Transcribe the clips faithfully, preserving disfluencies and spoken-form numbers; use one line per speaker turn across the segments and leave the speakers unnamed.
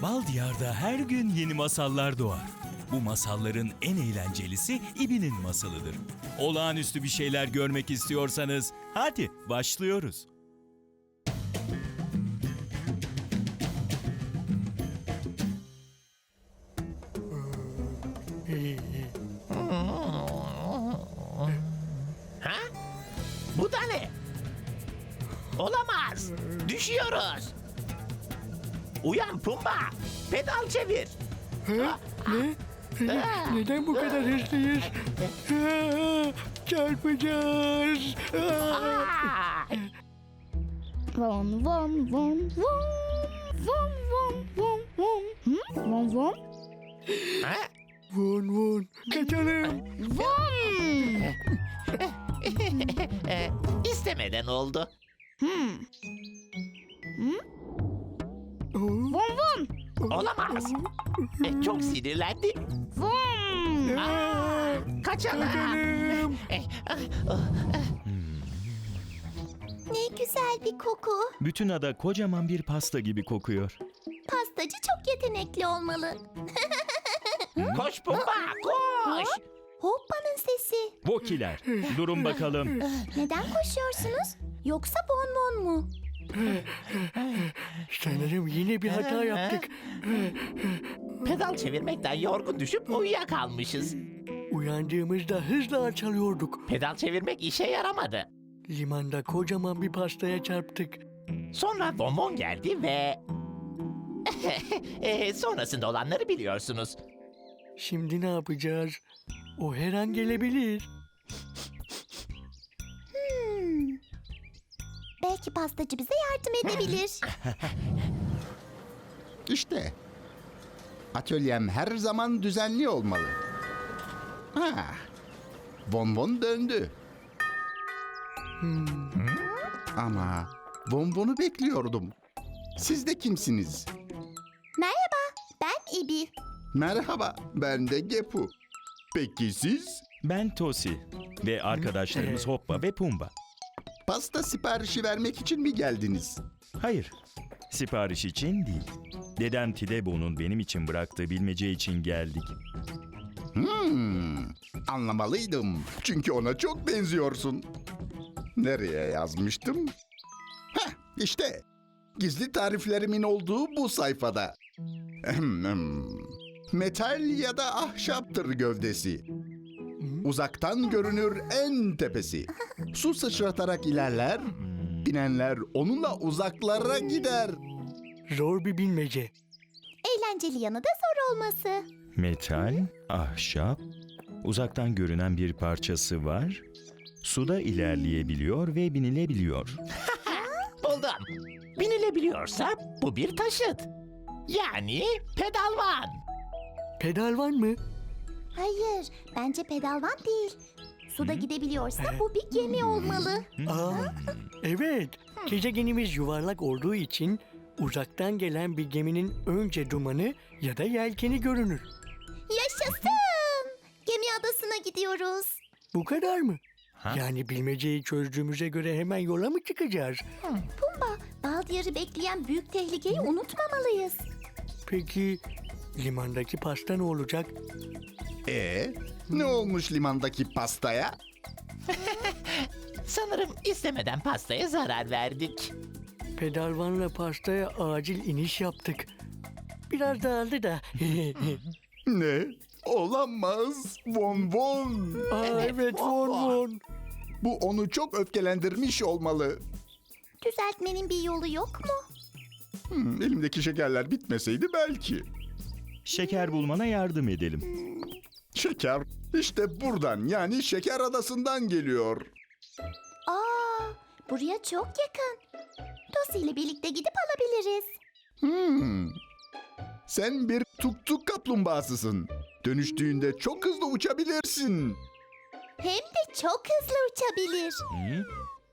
Bal Diyar'da her gün yeni masallar doğar. Bu masalların en eğlencelisi İbi'nin masalıdır. Olağanüstü bir şeyler görmek istiyorsanız hadi başlıyoruz.
Ha? Bu da ne? Olamaz. Düşüyoruz. Uyan Pumba. Pedal çevir.
Ha? Ne? Ne- Neden bu kadar hızlıyız? Aa, çarpacağız. Aa.
Aa!
Von von von von von von von von Hı? Von von
Ha?
Von von. Kaçalım.
von
E, istemeden oldu.
von von
Olamaz. E, çok sinirlendim.
von
Aa, kaçalım.
Kaçalım.
E, ah, ah.
Ne güzel bir koku.
Bütün ada kocaman bir pasta gibi kokuyor.
Pastacı çok yetenekli olmalı.
Koş Pumba, koş.
Hoppa'nın sesi.
Vokiler, durun bakalım.
Neden koşuyorsunuz? Yoksa bonbon mu?
Sanırım yine bir hata yaptık.
Pedal çevirmekten yorgun düşüp uyuyakalmışız.
Uyandığımızda hızla açılıyorduk.
Pedal çevirmek işe yaramadı.
Limanda kocaman bir pastaya çarptık.
Sonra bonbon geldi ve... e, sonrasında olanları biliyorsunuz.
Şimdi ne yapacağız? O her an gelebilir.
Belki pastacı bize yardım edebilir.
İşte. Atölyem her zaman düzenli olmalı. Ha. Bonbon döndü. Ama bonbonu bekliyordum. Siz de kimsiniz?
Merhaba, ben İbi.
Merhaba, ben de Gepu. Peki siz?
Ben Tosi ve arkadaşlarımız Hoppa ve Pumba.
Pasta siparişi vermek için mi geldiniz?
Hayır, sipariş için değil. Dedem Tidebo'nun benim için bıraktığı bilmece için geldik.
Hmm, anlamalıydım. Çünkü ona çok benziyorsun. Nereye yazmıştım? Heh, işte. Gizli tariflerimin olduğu bu sayfada. Ahem. Metal ya da ahşaptır gövdesi. Uzaktan görünür en tepesi. Su sıçratarak ilerler. Binenler onunla uzaklara gider.
Zor bir bilmece.
Eğlenceli yanı da zor olması.
Metal, ahşap, uzaktan görünen bir parçası var. Suda ilerleyebiliyor ve binilebiliyor.
Buldum. Binilebiliyorsa bu bir taşıt. Yani pedalvan.
Pedalvan mı?
Hayır, bence pedalvan değil. Suda gidebiliyorsa bu bir gemi olmalı.
Aa, evet. Gezegenimiz yuvarlak olduğu için uzaktan gelen bir geminin önce dumanı ya da yelkeni görünür.
Yaşasın! Gemi adasına gidiyoruz.
Bu kadar mı? Yani bilmeceyi çözdüğümüze göre hemen yola mı çıkacağız?
Pumba, bal diyarı bekleyen büyük tehlikeyi unutmamalıyız.
Peki limandaki pasta ne olacak?
E ne olmuş limandaki pastaya?
Sanırım istemeden pastaya zarar verdik.
Pedalvanla pastaya acil iniş yaptık. Biraz dağıldı da.
Ne? Olamaz. Von von.
Aa, evet von von.
Bu onu çok öfkelendirmiş olmalı.
Düzeltmenin bir yolu yok mu?
Hmm, elimdeki şekerler bitmeseydi belki.
Şeker bulmana yardım edelim.
Şeker işte buradan, yani Şeker Adası'ndan geliyor.
Aa, buraya çok yakın. Tosi ile birlikte gidip alabiliriz.
Hmm. Sen bir tuk tuk kaplumbağasısın. Dönüştüğünde çok hızlı uçabilirsin.
Hem de çok hızlı uçabilir.
Hı?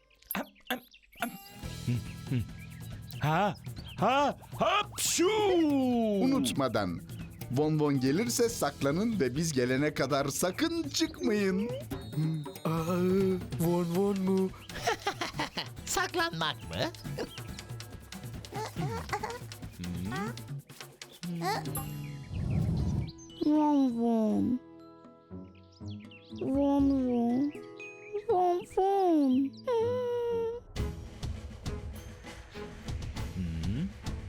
Ha, ha, hapşu!
Unutmadan. Von Von gelirse saklanın ve biz gelene kadar sakın çıkmayın.
Aa, von von mu?
Saklanmak mı?
Von von. Von von. Von von. Hmm.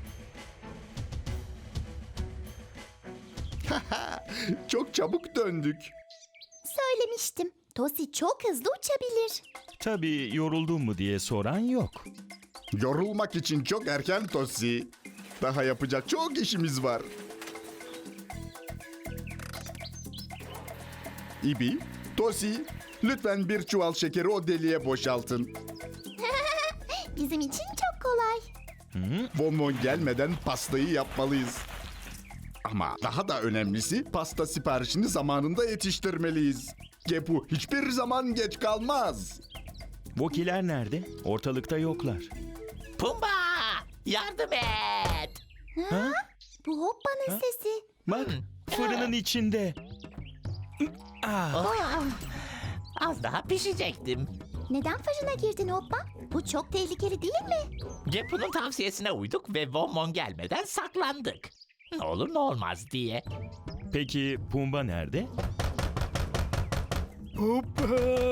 Çok çabuk döndük.
Söylemiştim. Tosi çok hızlı uçabilir.
Tabii yoruldun mu diye soran yok.
Yorulmak için çok erken Tosi. Daha yapacak çok işimiz var. İbi, Tosi, lütfen bir çuval şekeri o deliğe boşaltın.
Bizim için çok kolay.
Von Von gelmeden pastayı yapmalıyız. Ama daha da önemlisi pasta siparişini zamanında yetiştirmeliyiz. Gepu hiçbir zaman geç kalmaz.
Vokiler nerede? Ortalıkta yoklar.
Pumba! Yardım et!
Ha?
Bu Hoppa'nın sesi.
Bak, fırının içinde. Ah,
Oh, az daha pişecektim.
Neden fırına girdin Hoppa? Bu çok tehlikeli değil mi?
Gepu'nun tavsiyesine uyduk ve Von gelmeden saklandık. Ne olur ne olmaz diye.
peki Pumba nerede?
Hoppa.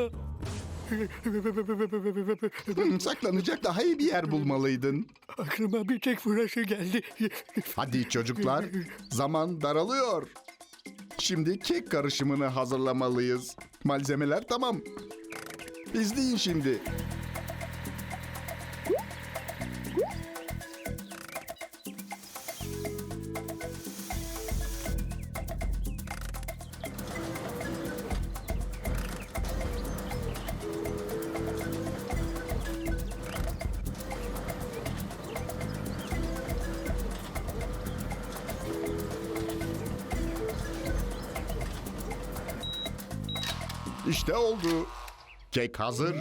Hmm, saklanacak daha iyi bir yer bulmalıydın.
Aklıma bir tek burası geldi.
Hadi çocuklar, zaman daralıyor. Şimdi kek karışımını hazırlamalıyız. Malzemeler tamam. İzleyin şimdi. İşte oldu. Kek hazır.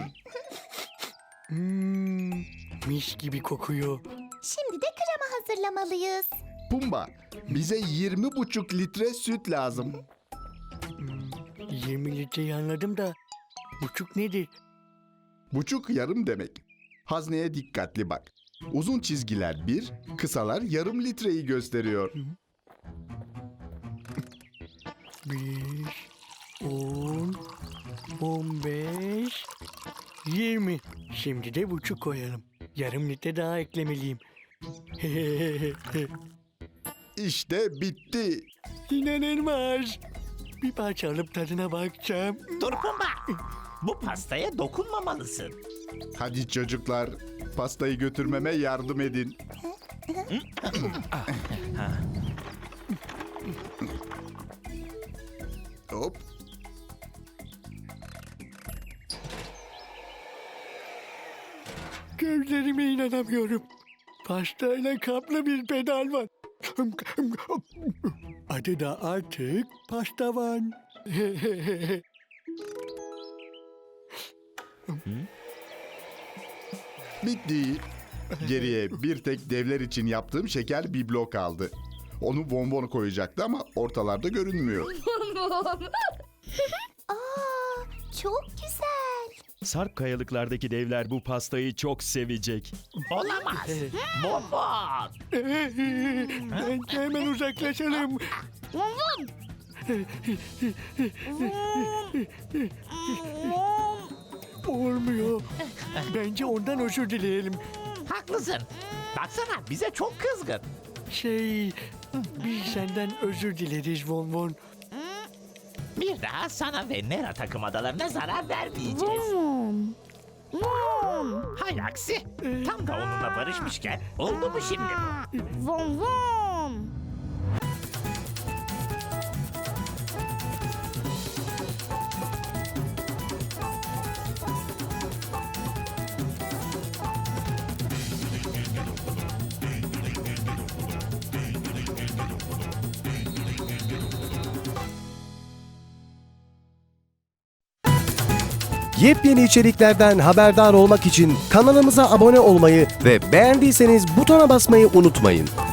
Hmm, mis gibi kokuyor.
Şimdi de krema hazırlamalıyız.
Pumba, bize yirmi buçuk litre süt lazım.
yirmi litreyi anladım da buçuk nedir?
Buçuk yarım demek. Hazneye dikkatli bak. Uzun çizgiler bir, kısalar yarım litreyi gösteriyor.
Beş, on, on beş, yirmi. Şimdi de buçuk koyalım. Yarım litre daha eklemeliyim.
İşte bitti.
İnanılmaz. Bir parça alıp tadına bakacağım.
Dur Pumba! Bu pastaya dokunmamalısın.
Hadi çocuklar, pastayı götürmeme yardım edin. Hop.
Gözlerime inanamıyorum. Pastayla kaplı bir pedal var. Adı da artık Pastavan.
Bitti. Geriye bir tek devler için yaptığım şeker biblo kaldı. Onu Von Von koyacaktı ama ortalarda görünmüyor.
Aa, çok güzel.
Sarp kayalıklardaki devler bu pastayı çok sevecek.
Olamaz. Von Von!
Bence hemen uzaklaşalım.
Von von.
Olmuyor. Bence ondan özür dileyelim.
Haklısın. Baksana bize çok kızgın.
Şey, biz senden özür dileriz Von Von.
Bir daha sana ve Nera takım adalarına zarar vermeyeceğiz.
Von. Von.
Hay aksi. Tam da onunla barışmışken oldu mu şimdi?
Von von.
Yepyeni içeriklerden haberdar olmak için kanalımıza abone olmayı ve beğendiyseniz butona basmayı unutmayın.